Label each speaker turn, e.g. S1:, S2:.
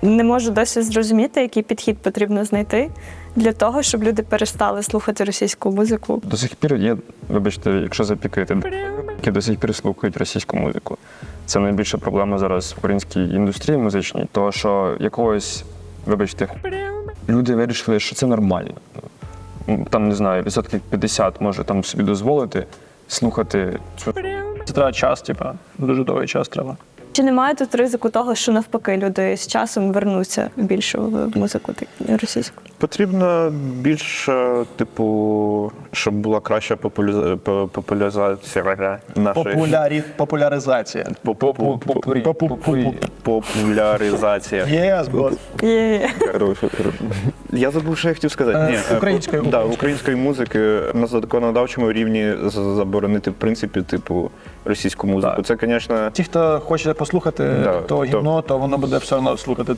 S1: Не можу досі зрозуміти, який підхід потрібно знайти для того, щоб люди перестали слухати російську музику.
S2: До сих пір є, вибачте, якщо запікати, які до сих пір слухають російську музику. Це найбільша проблема зараз в українській індустрії музичній, тому що якогось, вибачте, люди вирішили, що це нормально. Там, не знаю, 50% може там собі дозволити слухати цю.
S3: Це треба час, дуже довгий час треба.
S1: Чи немає тут ризику того, що навпаки люди з часом вернуться більше в музику російську?
S4: Потрібно більше, щоб була краща популяризація нашої...
S3: Популяризація.
S4: Популяризація.
S3: Yes, boss.
S1: Є.
S4: Я забув, що я хотів сказати.
S3: Української.
S4: Да, української музики на законодавчому рівні заборонити, в принципі, російську музику.
S3: Так.
S4: Це, звісно...
S3: Ті, хто хоче послухати то гімно, то воно буде все одно слухати